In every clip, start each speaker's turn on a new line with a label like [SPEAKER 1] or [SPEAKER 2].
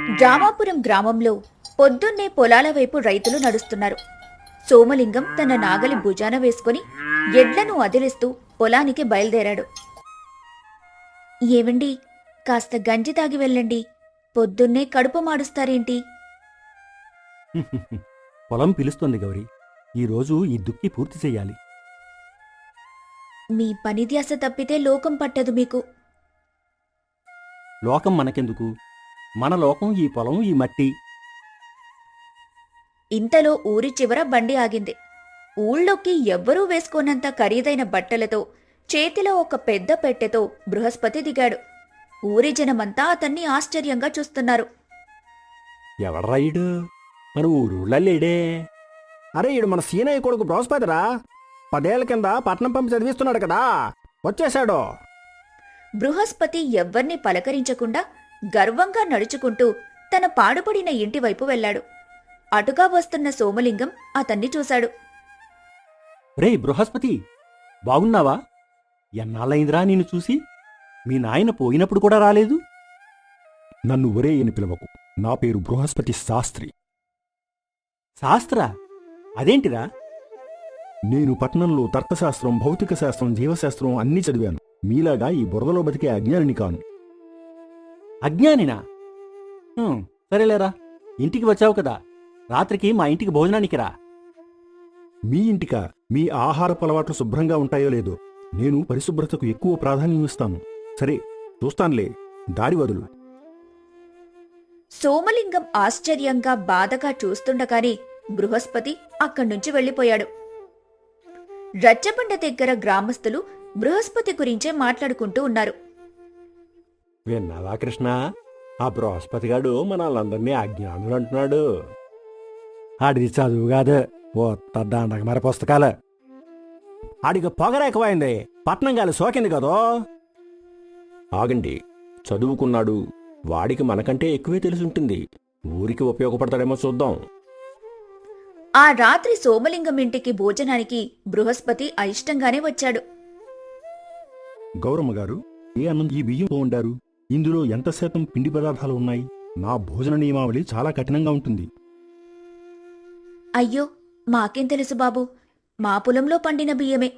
[SPEAKER 1] రామాపురం గ్రామంలో పొద్దున్నే పొలాల వైపు రైతులు నడుస్తున్నారు. సోమలింగం తన నాగలి భుజాన వేసుకుని ఎడ్లను అదిలిస్తూ పొలానికి బయలుదేరాడు. ఏవండి, కాస్త గంజి తాగి వెళ్ళండి, పొద్దున్నే కడుపు మాడుస్తారేంటి?
[SPEAKER 2] పొలం పిలుస్తోంది గౌరీ. ఈరోజు ఈ దుక్కి పూర్తి చెయ్యాలి.
[SPEAKER 1] మీ పని ధ్యాస తప్పితే లోకం పట్టదు మీకు.
[SPEAKER 2] లోకం మనకెందుకు? మన లోకం ఈ పొలం, ఈ మట్టి.
[SPEAKER 1] ఇంతలో ఊరి చివర బండి ఆగింది. ఊళ్ళోకి ఎవ్వరూ వేసుకోనంత ఖరీదైన బట్టలతో, చేతిలో ఒక పెద్ద పెట్టెతో బృహస్పతి దిగాడు. ఊరి జనమంతా అతన్ని ఆశ్చర్యంగా చూస్తున్నారు.
[SPEAKER 2] ఎవడ్రా ఈడు? మన ఊరుళ్ళ లేడే.
[SPEAKER 3] అరే, ఈడు మన సీనయ్య కొడుకు బృహస్పతిరా. 10 ఏళ్ల కింద పట్నం పంపి చదివిస్తున్నాడు కదా, వచ్చేశాడు.
[SPEAKER 1] బృహస్పతి ఎవ్వర్నీ పలకరించకుండా గర్వంగా నడుచుకుంటూ తన పాడుపడిన ఇంటివైపు వెళ్లాడు. అటుగా వస్తున్న సోమలింగం అతన్ని చూశాడు.
[SPEAKER 2] రే బృహస్పతి, బాగున్నావా? ఎన్నాళ్ళైందిరా నిన్ను చూసి? మీ నాయన పోయినప్పుడు కూడా రాలేదు.
[SPEAKER 4] నన్ను ఒరే అని పిలవకు. నా పేరు బృహస్పతి శాస్త్రి.
[SPEAKER 2] శాస్త్ర? అదేంటిరా?
[SPEAKER 4] నేను పట్నంలో తర్కశాస్త్రం, భౌతిక శాస్త్రం, జీవశాస్త్రం అన్నీ చదివాను. మీలాగా ఈ బురదలో బతికే అజ్ఞానిని కాను.
[SPEAKER 2] అజ్ఞానినా? సరేలేరా, ఇంటికి వచ్చావు కదా, రాత్రికి మా ఇంటికి భోజనానికి రా.
[SPEAKER 4] మీ ఇంటికా? మీ ఆహారపు అలవాట్లు శుభ్రంగా ఉంటాయో లేదో. నేను పరిశుభ్రతకు ఎక్కువ ప్రాధాన్యం ఇస్తాను. సరే, చూస్తానులే, దారి వదులు.
[SPEAKER 1] సోమలింగం ఆశ్చర్యంగా బాధగా చూస్తుండగానే బృహస్పతి అక్కడ్నుంచి వెళ్లిపోయాడు. రచ్చబండ దగ్గర గ్రామస్తులు బృహస్పతి గురించే మాట్లాడుకుంటూ ఉన్నారు.
[SPEAKER 2] విన్నావా కృష్ణ? ఆ బృహస్పతిగాడు మనల్ందరినీ అజ్ఞానులు అంటున్నాడు. ఆడిది చదువు కాదు, ఓ దండగ మరి పుస్తకాలు.
[SPEAKER 3] ఆడికి పొగరెక్కువైంది, పట్నం గాలి సోకింది కదో.
[SPEAKER 4] ఆగండి, చదువుకున్నాడు. వాడికి మనకంటే ఎక్కువే తెలుసుంటుంది. ఊరికి ఉపయోగపడతాడేమో చూద్దాం.
[SPEAKER 1] ఆ రాత్రి సోమలింగం ఇంటికి భోజనానికి బృహస్పతి అయిష్టంగానే వచ్చాడు.
[SPEAKER 4] గౌరమ్మ గారు, ఏ అన్నం ఈ బియ్యంతో వండారు? ఇందులో ఎంత శాతం పిండి పదార్థాలు ఉన్నాయి? నా భోజన నియమావళి చాలా కఠినంగా ఉంటుంది.
[SPEAKER 1] అయ్యో, మాకేం తెలుసు బాబు, మా పొలంలో పండిన బియ్యమే.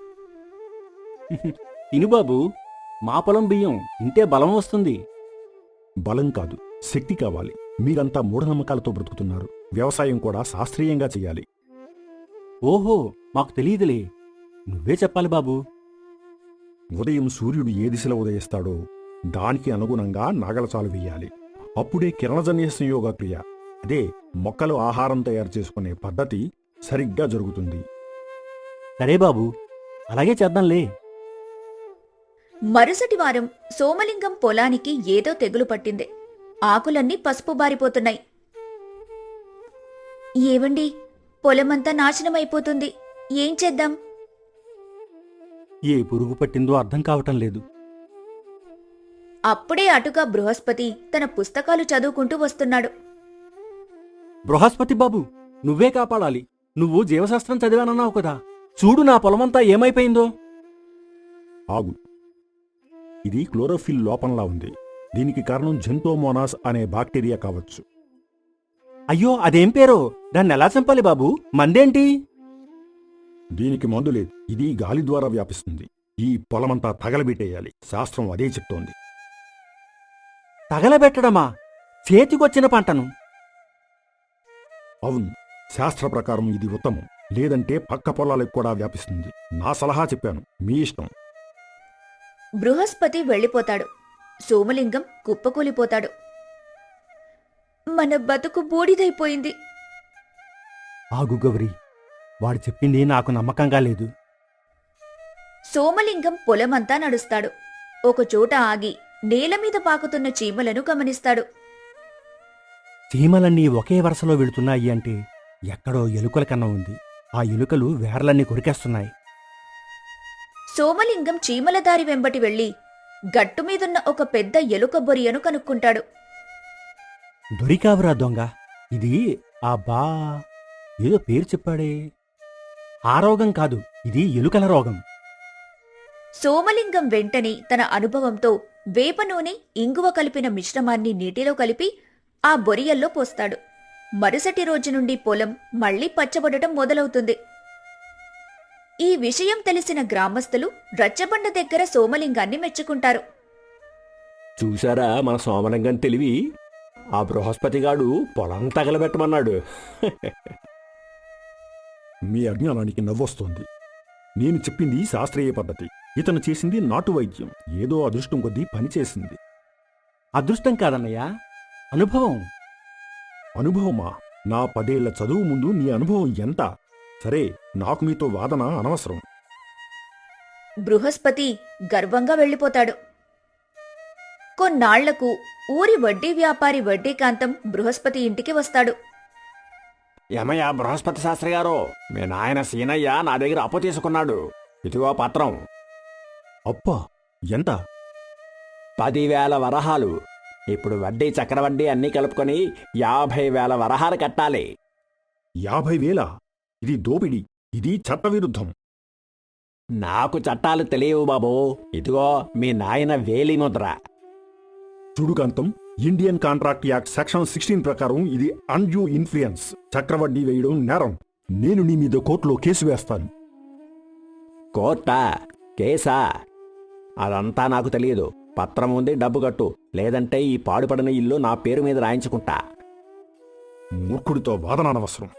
[SPEAKER 2] తినుబాబు, మా పొలం బియ్యం ఇంటే బలం వస్తుంది.
[SPEAKER 4] బలం కాదు, శక్తి కావాలి. మీరంతా మూఢనమ్మకాలతో బ్రతుకుతున్నారు. వ్యవసాయం కూడా శాస్త్రీయంగా చెయ్యాలి.
[SPEAKER 2] ఓహో, మాకు తెలియదులే, నువ్వే చెప్పాలి బాబు.
[SPEAKER 4] ఉదయం సూర్యుడు ఏ దిశలో ఉదయిస్తాడో దానికి అనుగుణంగా నాగలచాలు వెయ్యాలి. అప్పుడే కిరణజన్య సంయోగ క్రియ, అదే మొక్కలు ఆహారం తయారు చేసుకునే పద్ధతి సరిగ్గా జరుగుతుంది.
[SPEAKER 2] సరే బాబు, అలాగే చేద్దాంలే.
[SPEAKER 1] మరుసటి వారం సోమలింగం పొలానికి ఏదో తెగులు పట్టింది. ఆకులన్నీ పసుపు బారిపోతున్నాయి. ఏవండి, పొలమంతా నాశనమైపోతుంది, ఏం చేద్దాం?
[SPEAKER 2] ఏ పురుగు పట్టిందో అర్థం కావటం లేదు.
[SPEAKER 1] అప్పుడే అటుగా బృహస్పతి తన పుస్తకాలు చదువుకుంటూ వస్తున్నాడు.
[SPEAKER 2] బృహస్పతి బాబు, నువ్వే కాపాడాలి. నువ్వు జీవశాస్త్రం చదివానన్నావు కదా, చూడు నా పొలమంతా ఏమైపోయిందో.
[SPEAKER 4] ఆగు, ఇది క్లోరోఫిల్ లోపంలా ఉంది. దీనికి కారణం జెంతోమోనాస్ అనే బాక్టీరియా కావచ్చు.
[SPEAKER 2] అయ్యో, అదేం పేరో? దాన్ని ఎలా చంపాలి బాబు? మందేంటి?
[SPEAKER 4] దీనికి మందు లేదు. ఇది గాలి ద్వారా వ్యాపిస్తుంది. ఈ పొలమంతా తగలబెట్టేయాలి. శాస్త్రం అదే చెప్తోంది.
[SPEAKER 2] తగలబెట్టడమా? చేతికొచ్చిన పంటను?
[SPEAKER 4] అవును, శాస్త్ర ప్రకారం ఇది ఉత్తమం. లేదంటే పక్క పొలాలకు కూడా వ్యాపిస్తుంది. నా సలహా చెప్పాను, మీ ఇష్టం.
[SPEAKER 1] బృహస్పతి వెళ్ళిపోతాడు. సోమలింగం కుప్పకూలిపోతాడు. మన బతుకు బూడిదైపోయింది.
[SPEAKER 2] ఆగు గౌరీ, వాడు చెప్పింది నాకు నమ్మకంగా లేదు.
[SPEAKER 1] సోమలింగం పొలమంతా నడుస్తాడు. ఒకచోట ఆగి నేలమీద పాకుతున్న చీమలను గమనిస్తాడు.
[SPEAKER 2] చీమలన్నీ ఒకే వరుసలో వెళుతున్నాయి అంటే ఎక్కడో ఎలుకల కన్నా ఉంది. ఆ ఎలుకలు వేర్లన్నీ కొరికేస్తున్నాయి.
[SPEAKER 1] సోమలింగం చీమల దారి వెంబటి వెళ్లి గట్టుమీదున్న ఒక పెద్ద ఎలుక బొరియను కనుక్కుంటాడు.
[SPEAKER 2] దొరికావురా దొంగ, ఇది ఏదో పేరు చెప్పాడే. ఆ రోగం కాదు, ఇది ఎలుకల రోగం.
[SPEAKER 1] సోమలింగం వెంటనే తన అనుభవంతో వేప నూనె, ఇంగువ కలిపిన మిశ్రమాన్ని నీటిలో కలిపి ఆ బొరియల్లో పోస్తాడు. మరుసటి రోజు నుండి పొలం మళ్లీ పచ్చబడటం మొదలవుతుంది. ఈ విషయం తెలిసిన గ్రామస్తులు రచ్చబండ దగ్గర సోమలింగాన్ని మెచ్చుకుంటారు.
[SPEAKER 3] చూశారా మన సోమలింగం తెలివి? ఆ బృహస్పతిగాడు పొలం తగలబెట్టమన్నాడు.
[SPEAKER 4] మీ అజ్ఞానానికి నవ్వొస్తోంది. నేను చెప్పింది శాస్త్రీయ పద్ధతి, ఇతను చేసింది నాటు వైద్యం. ఏదో అదృష్టం కొద్దీ పనిచేసింది.
[SPEAKER 2] అదృష్టం కాదన్నయ్య, అనుభవం.
[SPEAKER 4] అనుభవమా? నా 10 ఏళ్ల చదువు ముందు నీ అనుభవం ఎంత? సరే, నాకు మీతో వాదన అనవసరం.
[SPEAKER 1] బృహస్పతి గర్వంగా వెళ్ళిపోతాడు. కొన్నాళ్లకు ఊరి వడ్డీ వ్యాపారి వడ్డీకాంతం బృహస్పతి ఇంటికి వస్తాడు.
[SPEAKER 3] ఏమయ్యా బృహస్పతి శాస్త్రి గారు, మీ నాయన సీనయ్య నా దగ్గర అప్పు తీసుకున్నాడు. ఇదిగో పత్రం.
[SPEAKER 4] అప్పా? ఎంత?
[SPEAKER 3] 10,000 వరహాలు. ఇప్పుడు వడ్డీ చక్రవడ్డీ అన్నీ కలుపుకొని 50,000 వరహాలు కట్టాలి.
[SPEAKER 4] 50,000? ఇది దోపిడీ, ఇది చట్టవిరుద్ధం.
[SPEAKER 3] నాకు చట్టాలు తెలియవు బాబూ. ఇదిగో మీ నాయన వేలి ముద్ర.
[SPEAKER 4] చుడుకాంతం, ఇండియన్ కాంట్రాక్ట్ యాక్ట్ సెక్షన్ 16 ప్రకారం ఇది అన్డ్యూ ఇన్ఫ్లుయెన్స్, చక్రవడ్డీ వేయడం నేరం. నేను నీ మీద కోర్టులో కేసు వేస్తాను.
[SPEAKER 3] కోర్టా? కేసా? అదంతా నాకు తెలియదు. పత్రం ఉంది, డబ్బు కట్టు, లేదంటే ఈ పాడుపడిన ఇల్లు నా పేరు మీద రాయించుకుంటా.
[SPEAKER 4] మూర్ఖుడితో వాదన అనవసరం.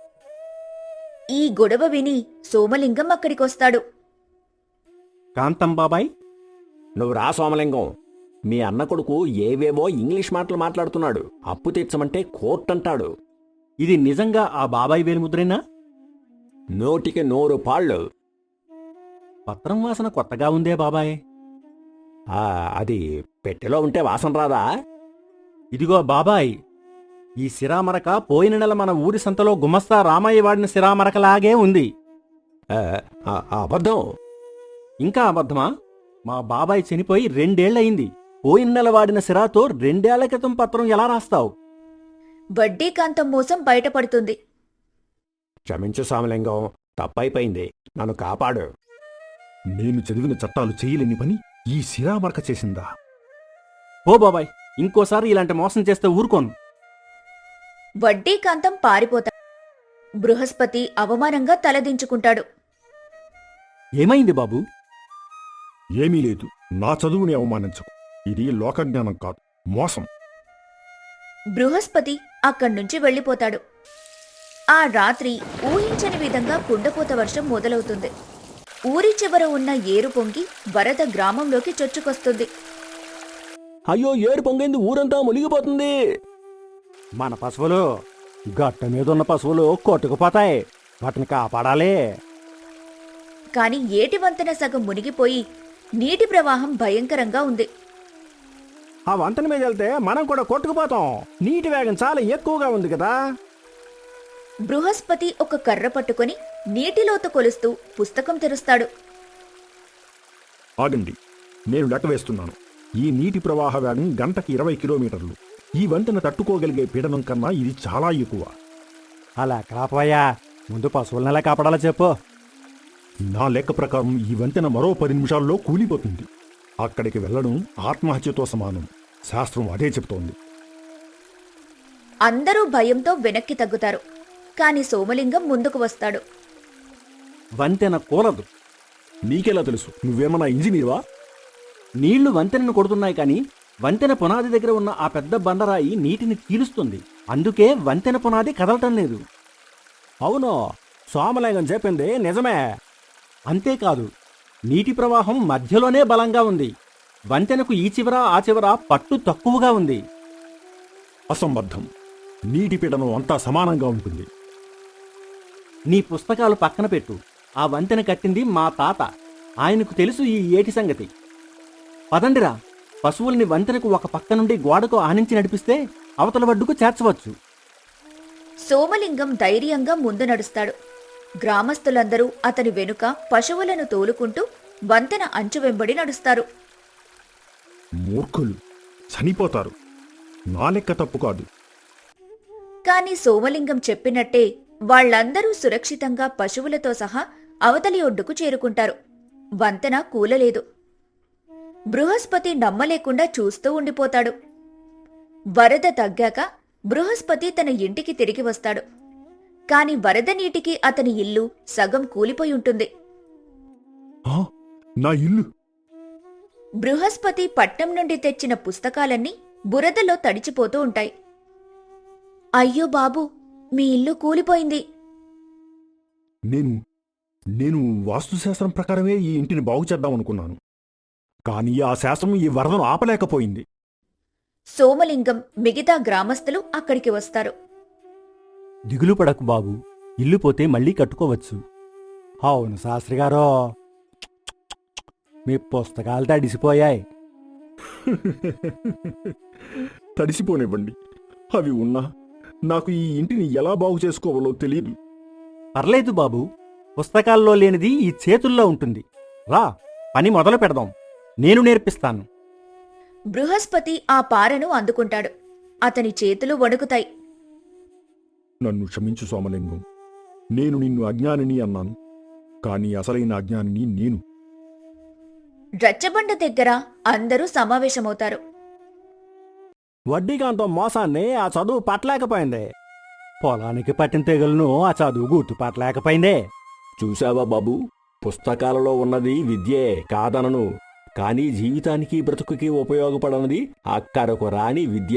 [SPEAKER 1] ఈ గొడవ విని సోమలింగం అక్కడికొస్తాడు.
[SPEAKER 2] కాంతం బాబాయ్,
[SPEAKER 3] నువ్వు రా సోమలింగం. మీ అన్న కొడుకు ఏవేవో ఇంగ్లీష్ మాటలు మాట్లాడుతున్నాడు. అప్పు తీర్చమంటే కోర్టు అంటాడు.
[SPEAKER 2] ఇది నిజంగా ఆ బాబాయ్ వేలిముద్రేనా?
[SPEAKER 3] నోటికి 100 పాళ్ళు.
[SPEAKER 2] పత్రం వాసన కొత్తగా ఉందే బాబాయ్.
[SPEAKER 3] అది పెట్టెలో ఉంటే వాసన రాదా?
[SPEAKER 2] ఇదిగో బాబాయ్, ఈ సిరామరక పోయిన నెల మన ఊరి సంతలో గుమస్తా రామయ్య వాడిన సిరామరకలాగే ఉంది.
[SPEAKER 3] అబద్ధం.
[SPEAKER 2] ఇంకా అబద్ధమా? మా బాబాయ్ చనిపోయి 2 ఏళ్లయింది. పోయిన నెల వాడిన సిరాతో 2 ఏళ్ల క్రితం పత్రం ఎలా రాస్తావు?
[SPEAKER 1] వడ్డీకాంతం మోసం బయటపడుతుంది.
[SPEAKER 3] క్షమించు సోమలింగం, తప్పైపోయింది. నన్ను కాపాడు.
[SPEAKER 4] నేను చదివిన చట్టాలు చేయలేని పని ఈ సిరామరక చేసిందా?
[SPEAKER 2] ఓ బాబాయ్, ఇంకోసారి ఇలాంటి మోసం చేస్తే ఊరుకోను.
[SPEAKER 1] వడ్డీకాంతం పారిపోతాడు. బృహస్పతి అవమానంగా తలదించుకుంటాడు.
[SPEAKER 2] ఏమైంది బాబూ?
[SPEAKER 4] ఏమీ లేదు. నా చదువుని అవమానించకు. ఇది లోకజ్ఞానం కాదు, మోసం.
[SPEAKER 1] బృహస్పతి అక్కడ్నుంచి వెళ్ళిపోతాడు. ఆ రాత్రి ఊహించని విధంగా కుండపోత వర్షం మొదలవుతుంది. ఊరి చివర ఉన్న ఏరు పొంగి వరద గ్రామంలోకి చొచ్చుకొస్తుంది.
[SPEAKER 3] అయ్యో, ఏరు పొంగింది, ఊరంతా మునిగిపోతుంది.
[SPEAKER 2] మన పశువులు, గట్ట మీదున్న పశువులు కొట్టుకుపోతాయి. వాటిని కాపాడాలి.
[SPEAKER 1] కాని ఏటి వంతెన సగం మునిగిపోయి నీటి ప్రవాహం భయంకరంగా ఉంది.
[SPEAKER 3] ఆ వంతెన మీద వెళ్తే మనం కూడా కొట్టుకుపోతాం. నీటి వేగం చాలా ఎక్కువగా ఉంది కదా.
[SPEAKER 1] బృహస్పతి ఒక కర్ర పట్టుకొని నీటిలోతు కొలుస్తూ పుస్తకం తెరుస్తాడు.
[SPEAKER 4] ఆగండి, నేను లెక్క వేస్తున్నాను. ఈ నీటి ప్రవాహ వేగం గంటకి 20 కిలోమీటర్లు. ఈ వంతెన తట్టుకోగలిగే పీడనం కన్నా ఇది చాలా ఎక్కువ.
[SPEAKER 2] అలా కాపోయా, ముందు పశువులను ఎలా కాపాడాలో చెప్పు.
[SPEAKER 4] నా లెక్క ప్రకారం ఈ వంతెన మరో 10 నిమిషాల్లో కూలిపోతుంది. అక్కడికి వెళ్లడం ఆత్మహత్యతో సమానం. శాస్త్రం అదే చెప్తోంది.
[SPEAKER 1] అందరూ భయంతో వెనక్కి తగ్గుతారు. కాని సోమలింగం ముందుకు వస్తాడు.
[SPEAKER 2] వంతెన కూలదు.
[SPEAKER 4] నీకెలా తెలుసు? నువ్వేమన్నా ఇంజనీర్వా?
[SPEAKER 2] నీళ్లు వంతెనను కొడుతున్నాయి కాని వంతెన పునాది దగ్గర ఉన్న ఆ పెద్ద బండరాయి నీటిని తీలుస్తుంది. అందుకే వంతెన పునాది కదలటం లేదు.
[SPEAKER 3] అవును, సోమలింగం చెప్పింది నిజమే.
[SPEAKER 2] అంతేకాదు, నీటి ప్రవాహం మధ్యలోనే బలంగా ఉంది. వంతెనకు ఈ చివర ఆ చివర పట్టు తక్కువగా ఉంది.
[SPEAKER 4] అసంబద్ధం. నీటి పీడనం అంతా సమానంగా ఉంటుంది.
[SPEAKER 2] నీ పుస్తకాలు పక్కన పెట్టు. ఆ వంతెన కట్టింది మా తాత. ఆయనకు తెలుసు ఈ ఏటి సంగతి. పదండిరా, పశువుల్ని వంతెనకు ఒక పక్క నుండి గోడకు ఆనించి నడిపిస్తే అవతల వడ్డుకు చేర్చవచ్చు.
[SPEAKER 1] సోమలింగం ధైర్యంగా ముందు నడుస్తాడు. గ్రామస్తులందరూ అతని వెనుక పశువులను తోలుకుంటూ వంతెన అంచు వెంబడి నడుస్తారు.
[SPEAKER 4] మూర్ఖులు, చనిపోతారు. నా లెక్క తప్పు కాదు.
[SPEAKER 1] కాని సోమలింగం చెప్పినట్టే వాళ్లందరూ సురక్షితంగా పశువులతో సహా అవతలి ఒడ్డుకు చేరుకుంటారు. వంతెన కూలలేదు. బృహస్పతి నమ్మలేకుండా చూస్తూ ఉండిపోతాడు. వరద తగ్గాక బృహస్పతి తన ఇంటికి తిరిగి వస్తాడు. కాని వరద నీటికి అతని ఇల్లు సగం కూలిపోయి ఉంటుంది.
[SPEAKER 4] ఆ, నా ఇల్లు!
[SPEAKER 1] బృహస్పతి పట్నం నుండి తెచ్చిన పుస్తకాలన్నీ బురదలో తడిచిపోతూ ఉంటాయి. అయ్యో బాబూ, మీ ఇల్లు కూలిపోయింది.
[SPEAKER 4] నేను వాస్తుశాస్త్రం ప్రకారమే ఈ ఇంటిని బాగు చేద్దామనుకున్నాను. కానీ ఆ శాస్త్రం ఈ వరదను ఆపలేకపోయింది.
[SPEAKER 1] సోమలింగం, మిగతా గ్రామస్తులు అక్కడికి వస్తారు.
[SPEAKER 2] దిగులు పడకు బాబు, ఇల్లు పోతే మళ్ళీ కట్టుకోవచ్చు. అవును శాస్త్రిగారో, మీ పుస్తకాలు తడిసిపోయాయి.
[SPEAKER 4] తడిసిపోనివ్వండి. అవి ఉన్నా నాకు ఈ ఇంటిని ఎలా బాగు చేసుకోవాలో తెలియదు.
[SPEAKER 2] పర్లేదు బాబు, పుస్తకాల్లో లేనిది ఈ చేతుల్లో ఉంటుంది. రా, పని మొదలు పెడదాం. నేను నేర్పిస్తాను.
[SPEAKER 1] బృహస్పతి ఆ పారను అందుకుంటాడు. అతని చేతులు వణుకుతాయి.
[SPEAKER 4] నన్ను క్షమించు సోమలింగం. నేను నిన్ను అజ్ఞానిని అన్నాను, కానీ అసలైన అజ్ఞానిని నేను.
[SPEAKER 1] రచ్చబండ దగ్గర అందరూ సమావేశమవుతారు.
[SPEAKER 2] వడ్డీకాంతో మోసాన్ని ఆ చదువు పట్టలేకపోయింది. పొలానికి పట్టిన తెగులను ఆ చదువు గుర్తుపట్టలేకపోయిందే.
[SPEAKER 3] చూశావా బాబు, పుస్తకాలలో ఉన్నది విద్యే కాదనను, కానీ జీవితానికి బ్రతుకుకి ఉపయోగపడనది అక్కరకు రాని విద్య.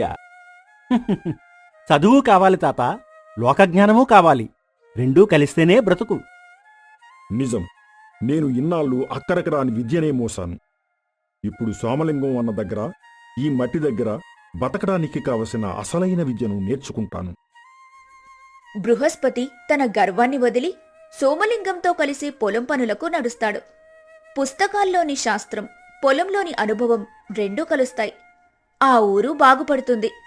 [SPEAKER 2] చదువు కావాలి తాత, లోకజ్ఞానమూ కావాలి. రెండూ కలిస్తేనే బ్రతుకు.
[SPEAKER 4] నిజం. నేను ఇన్నాళ్ళు అక్కరకు రాని విద్యనే మోసాను. ఇప్పుడు సోమలింగం అన్న దగ్గర, ఈ మట్టి దగ్గర బతకడానికి కావలసిన అసలైన విద్యను నేర్చుకుంటాను.
[SPEAKER 1] బృహస్పతి తన గర్వాన్ని వదిలి సోమలింగంతో కలిసి పొలం పనులకు నడుస్తాడు. పుస్తకాల్లోని శాస్త్రం, పొలంలోని అనుభవం రెండూ కలుస్తాయి. ఆ ఊరు బాగుపడుతుంది.